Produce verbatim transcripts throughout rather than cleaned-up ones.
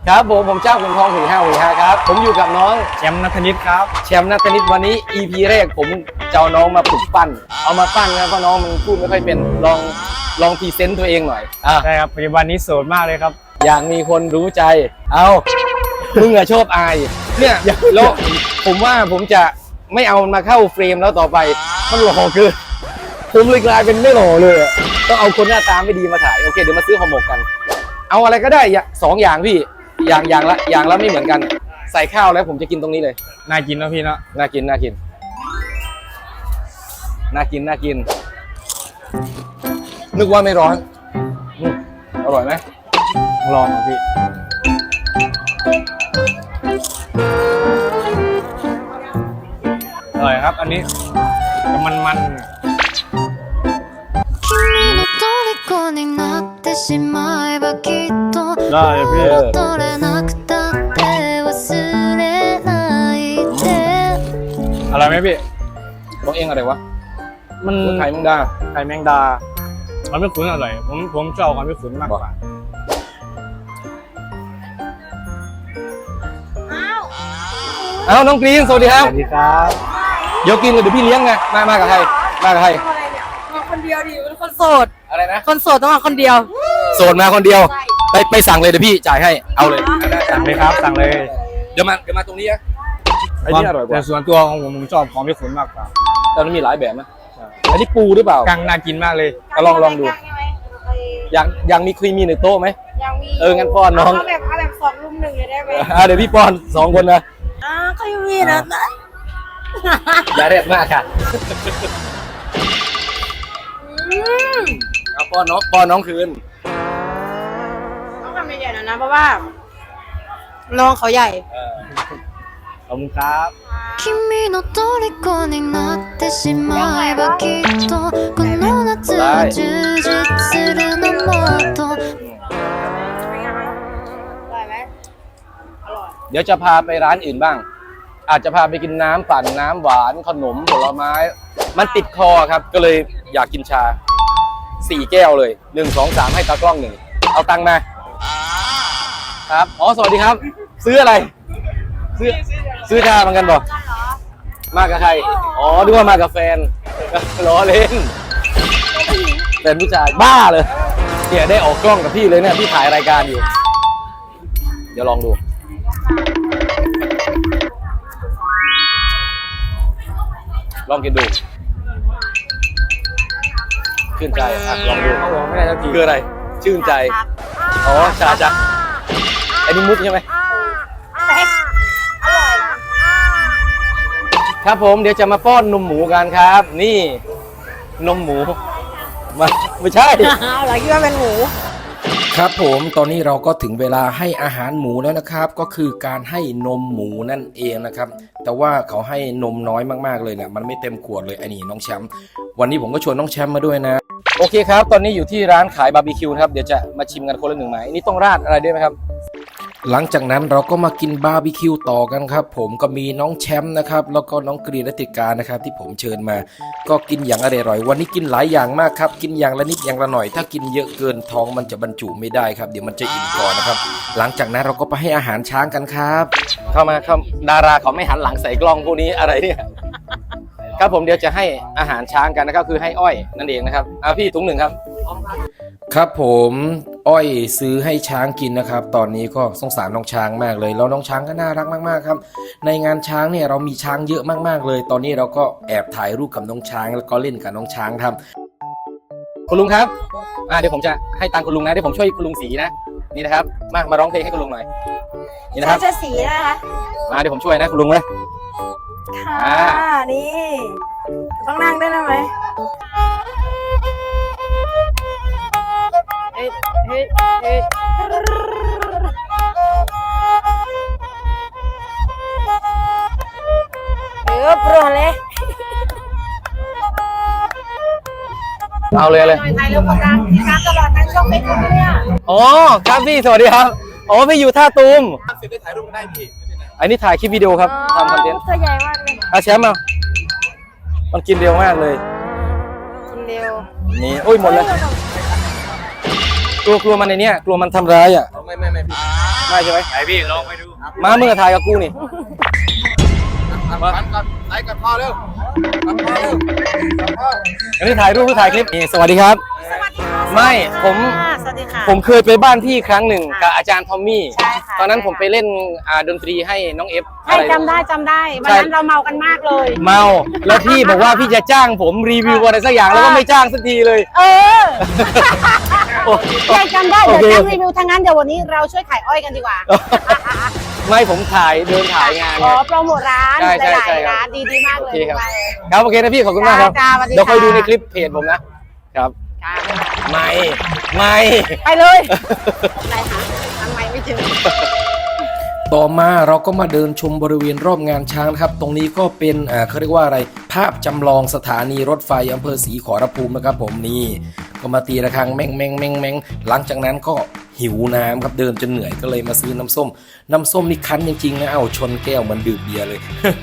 ครับผมผมเจ้าขุนทองหุยห้าหุยห้าครับผมอยู่กับน้องแชมป์ณัฐนิตครับแชมป์ณัฐนิตวันนี้ อี พี แรกผมจะเอาน้องมาฝึกปั้นเอามาปั้นนะเพราะน้องมันพูดไม่ค่อยเป็นลองลองพรีเซนต์ตัวเองหน่อยอ่ะใช่ครับปัจจุบันนี้โสดมากเลยครับอยากมีคนรู้ใจเอามึงอะชอบอายเนี่ยแล้วผมว่าผมจะไม่เอามาเข้าเฟรมแล้วต่อไปมันหล่อเกินผมเลยกลายเป็นไม่หล่อเลยต้องเอาคนหน้าตาไม่ดีมาถ่ายโอเคเดี๋ยวมาซื้อห่อหมกกันเอาอะไรก็ได้สองอย่างพี่อย่างอย่างละอย่างละไม่เหมือนกันใส่ข้าวแล้วผมจะกินตรงนี้เลยน่ากินนะพี่เนาะน่ากินน่ากินน่ากินน่ากินนึกว่าไม่ร้อนอร่อยไหมลองพี่อร่อยครับอันนี้มันมันได้พี่อะไรไหมพี่บอกเองอะไรวะมันไข่แมงดาไข่แมงดาความไม่ขุนอร่อยผมผมชอบความไม่ขุนมากกว่าอ้าวน้องกรีนสวัสดีครับสวัสดีครับเดี๋ยวกินเลยเดี๋ยวพี่เลี้ยงไงมามากับใครมากับใครมาคนเดียวดิเป็นคนโสดอะไรนะคนโสดต้องมาคนเดียวโสดมาคนเดียวไปไปสั่งเลยเดี๋ยวพี่จ่ายให้เอาเลยสั่งเลยครับสั่งเลยเดี๋ยวมาเดี๋ยวมาตรงนี้นะไอ้นี่อร่อยกว่าแต่ส่วนตัวของผมผมชอบความไม่ขุนมากกว่าแต่มันมีหลายแบบนะอันนี้ปูหรือเปล่ากังน่ากินมากเลยลองลองดูอยากอยากมีครีมมีในโต๊ะไหมยังมีเอองั้นป้อนน้องเอาแบบเอาแบบสองลุมหนึ่งเลยได้ไหมอ่าเดี๋ยวพี่ป้อนสองคนนะอ่าก็ยังมีนะอย่าเรียกมากค่ะเอาป้อนน้องป้อนน้องคืนต้องทำใหญ่ๆหน่อยนะเพราะว่าน้องเขาใหญ่ขอบคุณครับ君の虜になってしまえばきっとこの夏は充実するのもっとเดี๋ยวจะพาไปร้านอื่นบ้างอาจจะพาไปกินน้ำปั่นน้ำหวานขนมผลไม้มันติดคอครับก็เลยอยากกินชาสี่แก้วเลยหนึ่งสองสามให้ตากล้องหนึ่งเอาตังค์มาครับอ๋อสวัสดีครับซื้ออะไรซื้อซื้อชาเหมือนกันบอกมากับใครอ๋อดูว่ามากับแฟนล้อเล่นแฟนผู้ชายบ้าเลยเนี่ยได้ออกกล้องกับพี่เลยเนี่ยพี่ถ่ายรายการอยู่เดี๋ยวลองดูลองกินดูชื่นใจอ่ะลองดูเขาบอกไม่ได้สักทีคืออะไรชื่นใจอ๋อชาจักไอ้นี่มุกใช่ไหมครับผมเดี๋ยวจะมาป้อนนมหมูกันครับนี่นมหมูมาไม่ใช่อะไรคิดว่าเป็นหมูครับผมตอนนี้เราก็ถึงเวลาให้อาหารหมูแล้วนะครับก็คือการให้นมหมูนั่นเองนะครับแต่ว่าเขาให้นมน้อยมากๆเลยเนี่ยมันไม่เต็มขวดเลยไอ้นี่น้องแชมป์วันนี้ผมก็ชวนน้องแชมป์มาด้วยนะโอเคครับตอนนี้อยู่ที่ร้านขายบาร์บีคิวนะครับเดี๋ยวจะมาชิมกันคนละหนึ่งไม้นี่ต้องราดอะไรด้วยไหมครับหลังจากนั้นเราก็มากินบาร์บีคิวต่อกันครับผมก็มีน้องแชมป์นะครับแล้วก็น้องกรีนและติกานะครับที่ผมเชิญมาก็กินอย่างอร่อยวันนี้กินหลายอย่างมากครับกินอย่างละนิดอย่างละหน่อยถ้ากินเยอะเกินท้องมันจะบรรจุไม่ได้ครับเดี๋ยวมันจะอิ่มก่อนนะครับหลังจากนั้นเราก็ไปให้อาหารช้างกันครับเข้ามาครับดาราเขาไม่หันหลังใส่กล้องพวกนี้อะไรเนี่ยครับผมเดี๋ยวจะให้อาหารช้างกันนะครับคือให้อ้อยนั่นเองนะครับอ่ะพี่ถุงหนึ่งครับครับผมอ้อยซื้อให้ช้างกินนะครับตอนนี้ก็สงสารน้องช้างมากเลยแล้วน้องช้างก็น่ารักมากๆครับในงานช้างเนี่ยเรามีช้างเยอะมากๆเลยตอนนี้เราก็แอบถ่ายรูปกับน้องช้างแล้วก็เล่นกับน้องช้างครับคุณลุงครับอ่าเดี๋ยวผมจะให้ตังค์คุณลุงนะเดี๋ยวผมช่วยคุณลุงสีนะนี่นะครับมามาร้องเพลงให้คุณลุงหน่อยนี่นะครับจะสีนะคะมาเดี๋ยวผมช่วยนะคุณลุงนะค่ะนี่ต้องนั่งได้ไหมเฮ้ยเฮ้ยเฮ้ยเออโปรเลยเอาเลยเลยถ่ายรูปกับการที่การตลอดทั้งช่องเฟซบุ๊กเนี่ยอ๋อครับพี่สวัสดีครับอ๋อพี่อยู่ท่าตูมเสร็จได้ถ่ายรูปได้พี่อันนี้ถ่ายคลิปวิดีโอครับทำคอนเทนต์ตัวใหญ่มากเลยอาแชมป์มามันกินเร็วมากเลยกินเร็วนี่โอ้ยหมดเลยกลัวกลัวมันในเนี้ยกลัวมันทำร้ายอ่ะไม่ไม่ไม่พี่ไม่ช่ใช่ไหมไหนพี่ลองไปดูมาเมื่อถ่ายกับกูนี่มาก่อนไหนกันพอเร็วกันพอเร็วอันนี้ถ่ายรูปหรือถ่ายคลิปนี่สวัสดีครับสวัสดีค่ะไม่ผมสวัสดีค่ะผมเคยไปบ้านพี่ครั้งหนึ่งกับอาจารย์ทอมมี่ใช่ค่ะตอนนั้นผมไปเล่นอ่าดนตรีให้น้องเอฟใช่จำได้จำได้วันนั้นเราเมากันมากเลยเมาแล้วพี่บอกว่าพี่จะจ้างผมรีวิวอะไรสักอย่างแล้วก็ไม่จ้างสักทีเลยเออโอ้ใช่จำได้โอเดี๋ยวเคจ้างรีวิวทางนั้นเดี๋ยววันนี้เราช่วยขายอ้อยกันดีกว่าไม่ผมถ่ายเดินถ่ายงานอ๋ไงอโปรโมทร้านใช่ใช่หลายใช่ๆครับร้านดีดีมากเลโอย เคครับไปเลยครับโอเคนะพี่ขอบคุณมากครับจ้าจ้าสวัสดีเดี๋ยวคอยค่ะดูในคลิปเพจผมนะครับจ้าไม่ไม่ไปเลยอะไรคะทำไมไม่ถึงต่อมาเราก็มาเดินชมบริเวณรอบงานช้างนะครับ ตรงนี้ก็เป็นอ่าเขาเรียกว่าอะไรภาพจำลองสถานีรถไฟอำเภอศรีขอรภูมินะครับผมนี่ก็มาตีระฆังแม่งแม่งแม่งแม่งหลังจากนั้นก็หิวน้ำครับเดินจนเหนื่อยก็เลยมาซื้อน้ำส้ม น้ำส้มนี่คั้นจริงๆนะเอาชนแก้วเหมันดื่มเบียร์เลย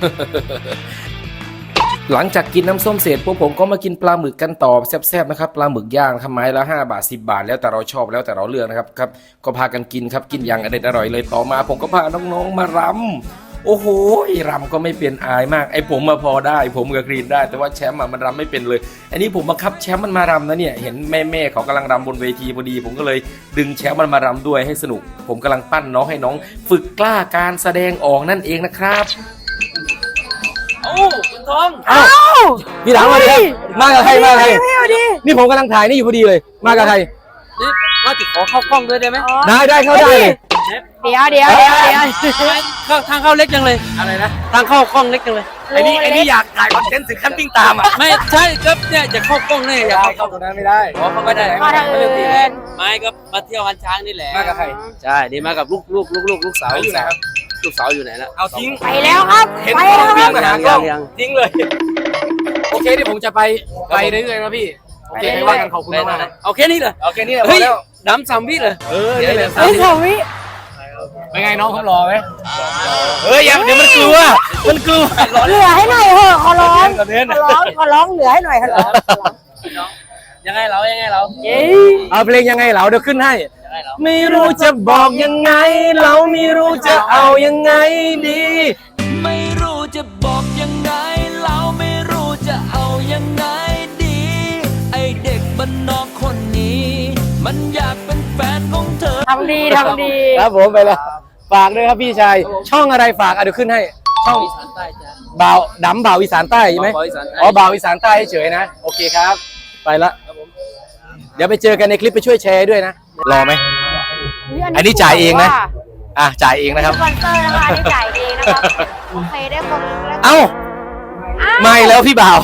หลังจากกินน้ำส้มเสร็จพวกผมก็มากินปลาหมึกกันต่อแซ่บๆนะครับปลาหมึกย่างครับไม้ละห้าบาทสิบบาทแล้วแต่เราชอบแล้วแต่เราเลือกนะครับครับก็พากันกินครับกินอย่างอร่อยอร่อยเลยต่อมาผมก็พาน้องๆมารำโอ้โหรำก็ไม่เป็นอายมากไอ้ผมมาพอได้ผมกับกรีนได้แต่ว่าแชมป์อะมันรำไม่เป็นเลย อันนี้ผมบังคับแชมป์มันมารำนะเนี่ยเห็นแม่ๆเขากำลังรำบนเวทีพอดี ผมก็เลยดึงแชมป์มันมารำด้วยให้สนุก ผมกำลังปั้นน้องให้น้อง ฝึกกล้าการแสดงออกนั่นเองนะครับโอ้คุณทองเอ้าพี่ถามมาดิครับมากับใครมากับใครพี่เอาดินี่ผมกำลังถ่ายนี่อยู่พอดีเลย มากับใครนี่ว่าติดขอเข้ากล้องด้วยได้ไหมได้ได้เข้าได้เลยเดี๋ยวเดี๋ยวเดี๋ยวเดี๋ยวเข้าทางเข้าเล็กจังเลยอะไรนะทางเข้ากล้องเล็กจังเลยไอ้นี่ไอ้นี่อยากถ่ายคอนเทนต์ถึงขั้นวิ่งตามอ่ะไม่ใช่ครับเนี่ยจะเข้ากล้องเนี่ยอยากเข้าตรงนั้นไม่ได้ขอเข้าไม่ได้มาทางอื่นไม่ก็มาเที่ยววันช้างนี่แหละมากับใครใช่นี่มากับลูกลูกลูกลูกลูกสาวไหนอยู่ไหนครับลูกสาวอยู่ไหนแล้วเอาทิ้งไปแล้วครับเห็นไปกล้แล้องวควิ่รับงมาหากล้องยังทิ้งเลย โอเคเดี๋ยวผมจะไปไปเรื่อยๆนะพี่ โอเคไม่ว่ากันขอบคุณมากนะเอาแค่นี้เลยโอเคนี่แหละพเฮ้อย แล้วดำสามวิเลยเออนี่แหละเฮ้ยสาวิเป็นไงน้องเขารอไหมเฮ้ยอย่าเดี๋ยวมันกลัวมันกลัวเหลือให้หน่อยเถอะขอร้องขอเน้นขอร้องขอร้องเหลือให้หน่อยขอร้องยังไงเรายังไงเราเย้เอาเพลงยังไงเหราเดี๋ยวขึ้นให้ยังไงเราไม่รู้จะบอกยังไง เราไม่รู้จะเอายังไงดีไม่รู้จะบอกยังไง เราไม่รู้จะเอายังไงดี ไอเด็กบ้านนอกคนนี้ มันอยากเป็นแฟนของเธอทำดีทำดีครับผมไปแล้วฝากด้วยครับพี่ชายช่องอะไรฝากอ่ะเดี๋ยวขึ้นให้ช่องอีสานใต้จ้ะบ่าวดำบ่าวอีสานใต้ใช่ไหมบ่าวอีสานใต้อ๋อบ่าวอีสานใต้เฉยๆนะโอเคครับ ไปละเดี๋ยวไปเจอกันในคลิปไปช่วยแชร์ด้วยนะรอไหม อันนี้จ่ายเองนะ อ่ะจ่ายเองนะครับสปอนเซอร์นะคะอันนี้จ่ายเองนะครับโอเคได้คนแล้วเอ้าไม่แล้วพี่บ่าว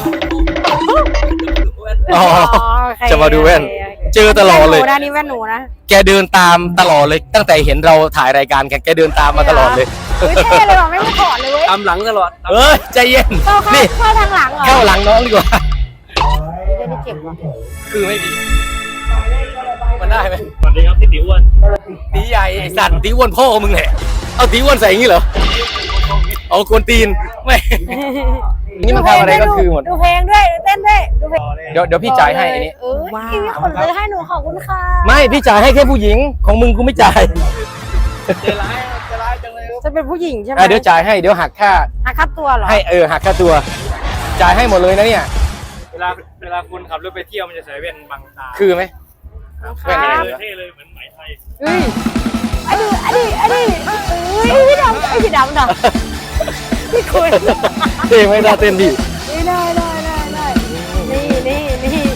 อ๋อโอเคจะมาดูแว่นโอเคโอเคเจอตลอดเลยแว่นหนูนะนี่แว่นหนูนะแกเดินตามตลอดเลย ตั้งแต่เห็นเราถ่ายรายการกันแกเดินตามมาตลอดเลยเฮ้ยเท่เลยว่ะไม่มาถอดเลยเว้ยตามหลังตลอดเอ้ยใจเย็นเข้าเข้านี่เข้าทางหลังเหรอเข้าหลังน้องดีกว่าเดี๋ยวนี่เจ็บว่ะคือไม่ดีมันได้ไหมสวัสดีครับพี่ติ๋วอ้วนตีใหญ่ไอ้สัตว์ตีอ้วนพ่อมึงแหละเอาตีอ้วนใส่อย่างนี้เหรอเอากวนตีนไม่นี่มันทำอะไรก็คือหมดดูเพลงด้วยเต้นด้วยดูเพลงเดี๋ยวเดี๋ยวพี่จ่ายให้อันนี้เออพี่มีคนซื้อให้หนูขอบคุณค่ะไม่พี่จ่ายให้แค่ผู้หญิงของมึงกูไม่จ่ายเจร้ายเจร้ายจังเลยจะเป็นผู้หญิงใช่ไหมอ่ะเดี๋ยวจ่ายให้เดี๋ยวหักค่าหักค่าตัวเหรอให้เออหักค่าตัว จ่ายให้หมดเลยนะเนี่ยเวลาเวลาคุณขับรถไปเที่ยวมันจะใส่แว่นบังตาคือไหมคแว่นรัอะไรบเลยเท่เลยเหมือนไหมไทยเฮ้ยอันนี้อันนี้อันนี้เฮ้ยพี่ดำไอ้พี่ดำเนาะพี่คุยเต้ไม่ได้เต้นดินี่ได้ได้ได้ได้นี่นี่นี่นี่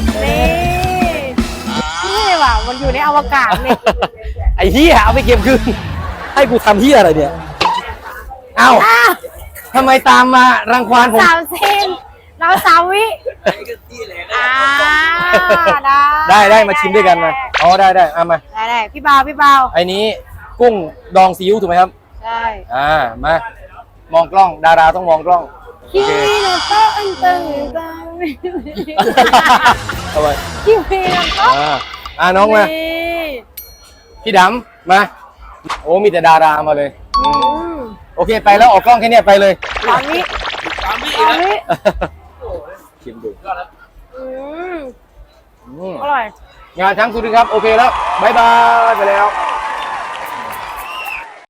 นี่ว่ะมันอยู่ในอวกาศเนี่ยไอ้เหี้ยเอาไปเก็บคืนให้กูทำเหี้ยอะไรเนี่ยเอ้าอ้าวทำไมตามมารังควานผมสามเซนเราสามวิอ่าได้ได้ได้มาชิมด้วยกันมาอ๋อได้ได้เอามาได้ได้พี่เบาพี่เบาไอ้นี้กุ้งดองซีอิ๊วถูกไหมครับใช่อ่ามามองกล้องดาราต้องมองกล้องโอคิเคมิโนโตะอันตึงตึงเอาไว้คิมิโนโตะอ่าอ่าน้องมาพี่ดำมาโอ้มีแต่ดารามาเลยอืมอืมโอเคไปแล้วออกกล้องแค่เนี้ยไปเลยตอนนี้ตามพี่ตอนนี้ชิมดูอืมอืมอร่อยงานช้างสุรินทร์ครับโอเคแล้วบายบายไปแล้ว